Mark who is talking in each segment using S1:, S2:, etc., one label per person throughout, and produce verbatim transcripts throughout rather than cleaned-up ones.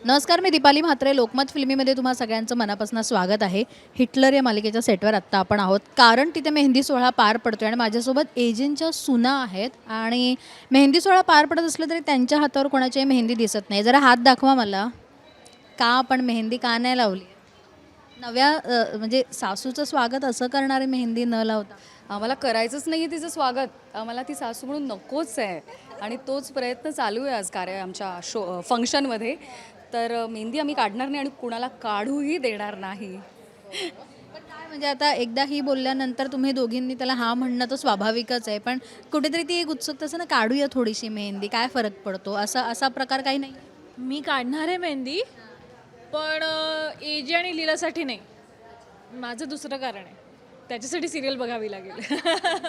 S1: नमस्कार, मी दीपाली म्हात्रे. लोकमत फिल्मीमध्ये तुम्हा सगळ्यांचं मनापासून स्वागत आहे. हिटलर या मालिकेच्या सेटवर आत्ता आपण आहोत, कारण तिथे मेहंदी सोहळा पार पडतोय आणि माझ्यासोबत एजंटच्या सुना आहेत. आणि मेहंदी सोहळा पार पडत असलं तरी त्यांच्या हातावर कोणाची मेहंदी दिसत नाही. जरा हात दाखवा मला. का आपण मेहंदी का नाही लावली? नव्या अ, म्हणजे सासूचं स्वागत असं करणारी मेहंदी न लावता
S2: आम्हाला करायचंच नाही आहे तिचं स्वागत. आम्हाला ती सासू म्हणून नकोच आहे आणि तोच प्रयत्न चालू आहे आज कार्य आमच्या शो फंक्शनमध्ये. तर अ, मेहंदी आम्ही काढणार नाही आणि कुणाला काढूही देणार नाही.
S1: पण काय म्हणजे आता एकदा ही बोलल्यानंतर तुम्ही दोघींनी त्याला हा म्हणणं तर स्वाभाविकच आहे, पण कुठेतरी ती एक उत्सुकता असं ना, काढूया थोडीशी मेहंदी, काय फरक पडतो, असा असा प्रकार काही नाही?
S3: मी काढणार आहे मेहंदी, पण एजे आणि लीलासाठी नाही. माझं दुसरं कारण आहे, त्याच्यासाठी सिरियल बघावी लागेल.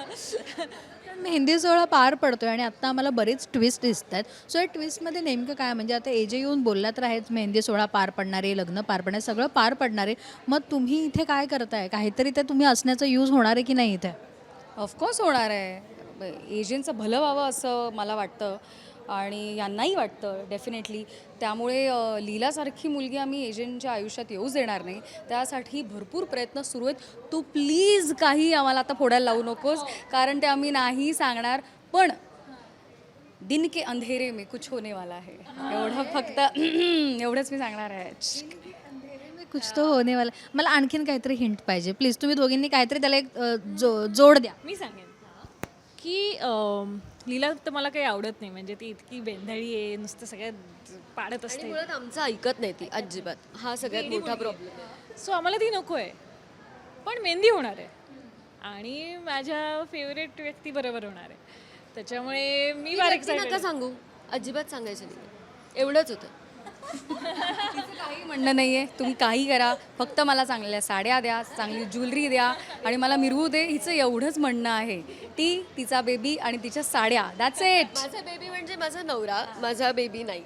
S1: पण मेहंदी सोहळा पार पडतोय आणि आता आम्हाला बरेच ट्विस्ट दिसत आहेत. सो या ट्विस्टमध्ये नेमकं काय, म्हणजे आता एजे येऊन बोलला तर आहेच, मेहंदी सोहळा पार पडणारे, लग्न पार पडणारे, सगळं पार पडणारे. मग तुम्ही इथे काय करताय? काहीतरी ते तुम्ही असण्याचं यूज होणार आहे की नाही इथे?
S2: ऑफकोर्स होणार आहे. एजंटचं भलं व्हावं असं मला वाटतं आणि यांनाही वाटतं डेफिनेटली. त्यामुळे अ, लीलासारखी मुलगी आम्ही एजंटच्या आयुष्यात येऊच देणार नाही. त्यासाठी भरपूर प्रयत्न सुरू आहेत. तू प्लीज काही आम्हाला आता फोडायला लावू नकोस, कारण ते आम्ही नाही सांगणार. पण दिन के अंधेरे में कुछ होने वाला है, एवढं फक्त एवढंच मी सांगणार आहे.
S1: कुछ तो होने वाला. मला आणखीन काहीतरी हिंट पाहिजे प्लीज. तुम्ही दोघींनी काहीतरी त्याला एक अ, जो जोड द्या.
S3: मी सांगेन की अम, लीला तर मला काही आवडत नाही. म्हणजे ती इतकी बेंधळी आहे, नुसतं सगळ्यात पाडत
S4: आणि
S3: असते.
S4: मुळात आमचं ऐकत नाही ती अजिबात. हा सगळ्यात मोठा प्रॉब्लेम.
S3: सो आम्हाला ती नको आहे. पण मेहंदी होणार आहे आणि माझ्या फेवरेट व्यक्ती बरोबर होणार आहे. त्याच्यामुळे मी फार
S4: नका
S3: एक्साइटेड.
S4: सांगू, अजिबात सांगायचं नाही. एवढंच होतं.
S2: काही म्हणणं नाही आहे. तुम्ही काही करा, फक्त मला चांगल्या साड्या द्या, चांगली ज्वेलरी द्या आणि मला मिरवू दे. हिचं एवढंच म्हणणं आहे. ती, तिचा बेबी आणि तिच्या साड्या, दॅट्स इट.
S4: माझा बेबी म्हणजे माझा नवरा, माझा बेबी नाही.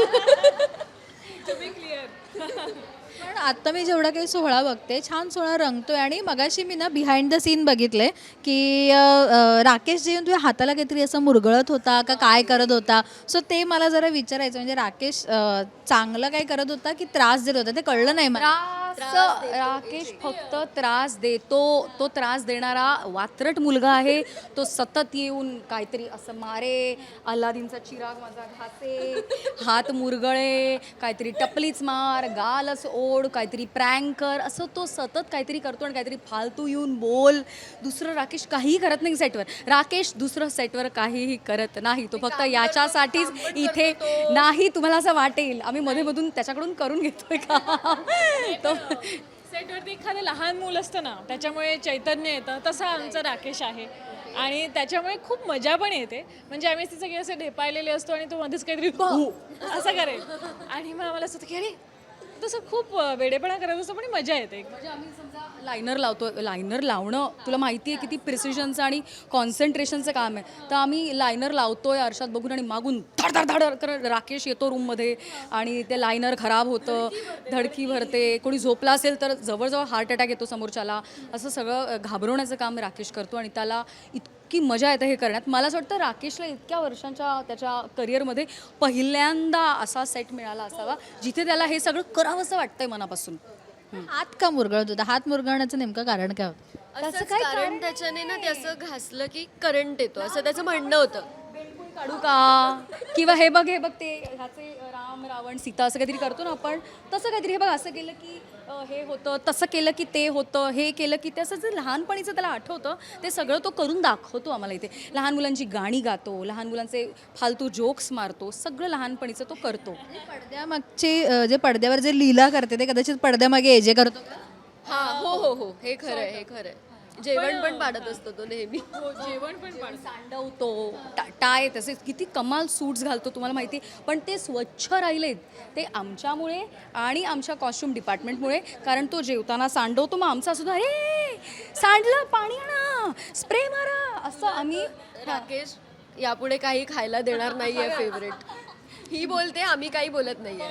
S1: पण आता मी जेवढा काही सोहळा बघते, छान सोहळा रंगतोय. आणि मगाशी मी ना बिहाइंड द सीन बघितले की अ, अ, राकेश जे तुझ्या हाताला काहीतरी असं मुरगळत होता का काय करत होता. सो ते मला जरा विचारायचं, म्हणजे राकेश अ, चांगलं काय करत होता की त्रास देत होता, ते कळलं नाही मला.
S2: त्रास राकेश फक्त त्रास देतो. तो त्रास देणारा वात्रट मुलगा आहे. तो सतत येऊन काहीतरी असं मारे, अल्लादीनचा चिराग माझा घासे, हात मुरगळे, काहीतरी टपलीच मार, गालच ओढ, काहीतरी प्रँक कर, असं तो सतत काहीतरी करतो आणि काहीतरी फालतू येऊन बोल. दुसरं राकेश काहीही करत नाही सेटवर. राकेश दुसरं सेटवर काहीही करत नाही. तो फक्त याच्यासाठीच इथे नाही. तुम्हाला असं वाटेल आम्ही मध्येमधून त्याच्याकडून करून घेतोय का? तो
S3: सेटवरती एखादं लहान मूल असतं ना, त्याच्यामुळे चैतन्य येतं. तसा आमचा राकेश आहे आणि त्याच्यामुळे खूप मजा पण येते. म्हणजे आम्ही तिचे सगळे असे ढेपाळलेले असतो आणि तो मध्येच काहीतरी "हु" असं करेल आणि मग आम्हाला असं होतं की अरे तसं खूप वेडेपणा करत असतो, पण मजा येते.
S2: म्हणजे आम्ही समजा लायनर लावतो. लायनर लावणं तुला माहिती आहे किती प्रिसिजनचं आणि कॉन्सन्ट्रेशनचं काम आहे. तर आम्ही लायनर लावतोय आरशात बघून आणि मागून धड धड धड करत राकेश येतो रूममध्ये आणि ते लायनर खराब होतं, धडकी भरते, कोणी झोपला असेल तर जवळजवळ हार्ट अटॅक येतो समोरच्याला. असं सगळं घाबरवण्याचं काम राकेश करतो आणि त्याला इतकी मजा येते हे करण्यात. मला असं वाटतं राकेशला इतक्या वर्षांच्या त्याच्या करिअरमध्ये पहिल्यांदा असा सेट मिळाला असावा जिथे त्याला हे सगळं करावंसं वाटतंय मनापासून.
S1: हात का मुरगळत होता? हात मुरगळण्याचं नेमकं कारण काय होतं?
S4: असं काय कारण त्याच्याने ना ते असं घासलं की करंट येतो असं त्याचं म्हणणं होतं.
S2: काढू का? किंवा हे बघ हे बघ ते ह्याचे राम रावण सीता असं काहीतरी करतो ना आपण, तसं काहीतरी. हे बघ असं केलं की अ, हे होतं, तसं केलं की ते होतं, हे केलं की ते, असं जे लहानपणीचं त्याला आठवतं ते सगळं तो करून दाखवतो आम्हाला इथे. लहान मुलांची गाणी गातो, लहान मुलांचे फालतू जोक्स मारतो, सगळं लहानपणीचं तो करतो.
S1: पडद्यामागची अ, जे पडद्यावर जे लीला करते ते कदाचित पडद्यामागे एजे करतो का?
S4: हा हो हो हो हे खरं आहे, हे खरं आहे. जेवण पण पाडत असतो तो नेहमी.
S3: जेवण पण पाडतो.
S2: सांडवतो, टा टाय तसे किती कमाल सूट्स घालतो तुम्हाला माहिती आहे. पण ते स्वच्छ राहिलेत ते आमच्यामुळे आणि आमच्या कॉस्ट्युम डिपार्टमेंटमुळे. कारण तो जेवताना सांडवतो, मग आमचा सुद्धा अरे सांडलं, पाणी आणा, स्प्रे मारा, असं आम्ही.
S4: राकेश यापुढे काही खायला देणार नाहीये फेवरेट. ही बोलते, आम्ही काही बोलत नाहीये.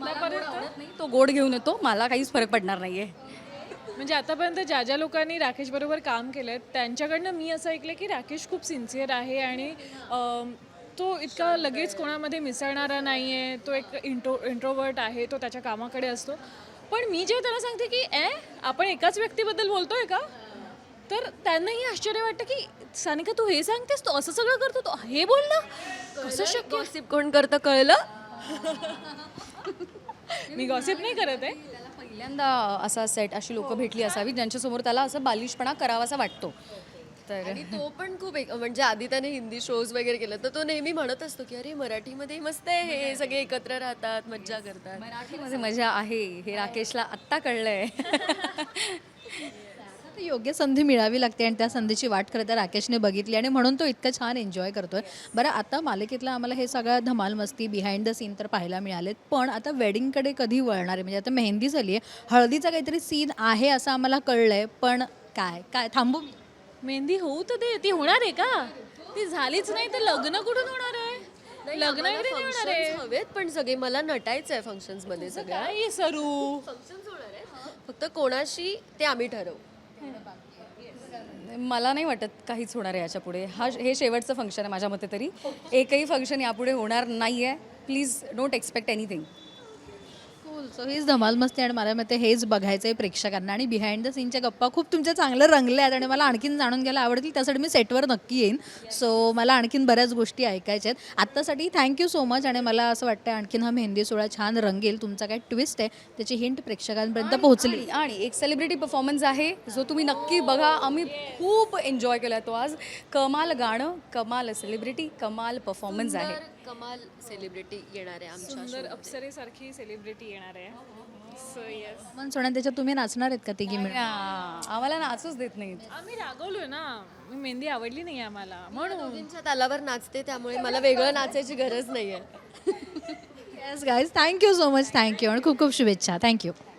S2: आवडत नाही, तो गोड घेऊन येतो, मला काहीच फरक पडणार नाहीये.
S3: म्हणजे आतापर्यंत ज्या ज्या लोकांनी राकेशबरोबर काम केलं त्यांच्याकडनं मी असं ऐकलं की राकेश खूप सिन्सिअर आहे आणि अम, तो इतका लगेच कोणामध्ये मिसळणारा नाही आहे, तो एक इंट्रो इंट्रोवर्ट आहे, तो त्याच्या कामाकडे असतो. पण मी जेव्हा त्याला सांगते की ए आपण एकाच व्यक्तीबद्दल बोलतोय का, तर त्यांनाही आश्चर्य वाटतं की सानिका तू हे सांगतेस, तू असं सगळं करतो, तो हे बोलला कसं शक्य.
S4: गॉसिप कोण करतं कळलं?
S3: मी गॉसिप नाही करत आहे.
S2: त्याला पहिल्यांदा असा सेट अशी लोकं भेटली असावी ज्यांच्यासमोर त्याला असं बालिशपणा करावासा वाटतो. तर
S4: आणि तो पण खूप एक म्हणजे आधी त्याने हिंदी शोज वगैरे केलं तर तो नेहमी म्हणत असतो की अरे मराठीमध्ये मस्त आहे, हे सगळे एकत्र राहतात, मज्जा करतात.
S2: मराठीमध्ये मजा आहे हे राकेशला आत्ता कळलंय.
S1: आता योग्य संधी मिळावी लागते आणि त्या संधीची वाट खरं तर राकेशने बघितली आणि म्हणून तो इतकं छान एन्जॉय करतोय. बरं, आता मालिकेतला आम्हाला हे सगळं धमाल मस्ती बिहाइंड द सीन तर पाहायला मिळालेत, पण आता वेडिंगकडे कधी वळणार आहे? म्हणजे आता मेहंदी झाली आहे, हळदीचा काहीतरी सीन आहे असं आम्हाला कळलंय, पण काय काय थांबू मी?
S3: मेहंदी होऊ तर दे, ती होणार आहे का? ती झालीच नाही तर लग्न कुठून होणार आहे? लग्न वगैरे नाही होणार आहे.
S4: फंक्शन्स हवेत पण सगळे मला नटायचं आहे फंक्शन्स मध्ये सगळ्या.
S3: काय सरू
S4: फंक्शन्स होणार आहे फक्त कोणाशी ते आम्ही ठरवू.
S2: मला नाही वाटत काहीच होणार आहे याच्या पुढे. हा हे शेवटचं फंक्शन आहे माझ्या मते तरी. एकही फंक्शन यापुढे होणार नाही आहे. Please don't expect anything.
S1: Cool. So हीच धमाल मस्ती आणि मला मते हेच बघायचं आहे प्रेक्षकांना. आणि बिहाइंड द सीनच्या गप्पा खूप तुमच्या चांगलं रंगल्या आहेत आणि मला आणखीन जाणून घ्यायला आवडतील. त्यासाठी मी सेटवर नक्की येईन. सो मला आणखीन बऱ्याच गोष्टी ऐकायच्या आहेत. आत्तासाठी थँक्यू सो मच. आणि मला असं वाटतं आणखीन हा मेहंदी सोहळा छान रंगेल. तुमचा काय ट्विस्ट आहे त्याची हिंट प्रेक्षकांपर्यंत पोहोचली.
S2: आणि आणि एक सेलिब्रिटी परफॉर्मन्स आहे जो तुम्ही नक्की बघा. आम्ही खूप एन्जॉय केला तो आज. कमाल गाणं, कमाल सेलिब्रिटी, कमाल परफॉर्मन्स आहे.
S4: कमाल सेलिब्रिटी येणार आहे आमच्या
S3: सुंदर अप्सरेसारखी सेलिब्रिटी येणार आहे. सो येस,
S1: मन सोडा त्याच्यात तुम्ही नाचणार आहेत का तिघी मिळून?
S2: आम्हाला नाचूच देत नाहीत.
S3: आम्ही रागवलोय ना, मेहंदी आवडली नाही आम्हाला म्हणून.
S4: दोघींच्या तालावर नाचते त्यामुळे मला वेगळं नाचायची गरज नाहीये.
S1: Yes guys, thank you so much. Thank you आणि खूप खूप शुभेच्छा. थँक्यू.